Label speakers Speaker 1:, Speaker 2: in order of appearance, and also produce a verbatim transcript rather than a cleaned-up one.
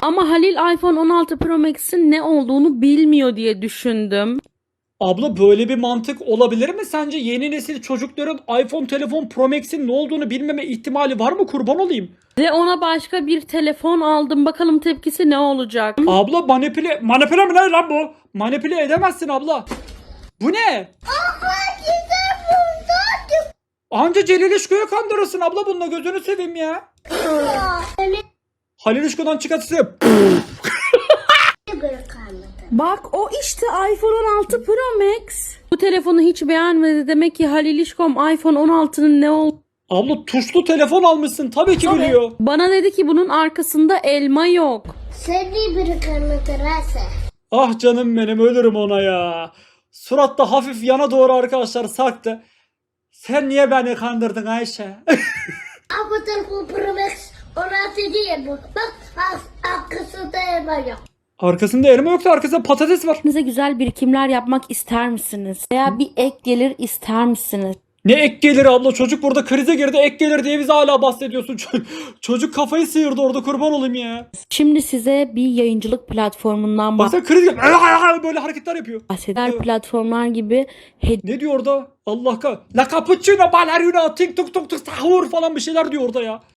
Speaker 1: Ama Halil iPhone on altı Pro Max'in ne olduğunu bilmiyor diye düşündüm.
Speaker 2: Abla böyle bir mantık olabilir mi sence? Yeni nesil çocukların iPhone telefon Pro Max'in ne olduğunu bilmeme ihtimali var mı, kurban olayım?
Speaker 1: Ve ona başka bir telefon aldım. Bakalım tepkisi ne olacak?
Speaker 2: Abla manipüle... Manipüle mi ne lan bu? Manipüle edemezsin abla. Bu ne? Anca Celil İşko'ya kandırırsın abla, bununla gözünü seveyim ya. Halil İşko'dan çıkartırsa...
Speaker 1: Bak o işte iPhone on altı Pro Max. Bu telefonu hiç beğenmedi. Demek ki Halil İşkom iPhone on altının ne olduğunu...
Speaker 2: Abla tuşlu telefon almışsın, tabii ki biliyor.
Speaker 1: Bana dedi ki bunun arkasında elma yok.
Speaker 3: Seni bir kanıtırasa.
Speaker 2: Ah canım benim, ölürüm ona ya. Suratta hafif yana doğru arkadaşlar sarktı. Sen niye beni kandırdın Ayşe?
Speaker 3: Ama telefon Pro Max on altı değil bu. Bak arkasında elma yok.
Speaker 2: Arkasında elma yoksa arkasında patates var.
Speaker 1: Size güzel birikimler yapmak ister misiniz? Veya bir ek gelir ister misiniz?
Speaker 2: Ne ek gelir abla, çocuk burada krize girdi, ek gelir diye bize hala bahsediyorsun. Ço- çocuk kafayı sıyırdı orada, kurban olayım ya.
Speaker 1: Şimdi size bir yayıncılık platformundan
Speaker 2: Baksana kriz girdi, böyle hareketler yapıyor.
Speaker 1: bahseder. Platformlar gibi
Speaker 2: Ne diyor orada? Allah kah. La cappuccino ballerina tik tuk tuk tuk sahur falan bir şeyler diyor orada ya.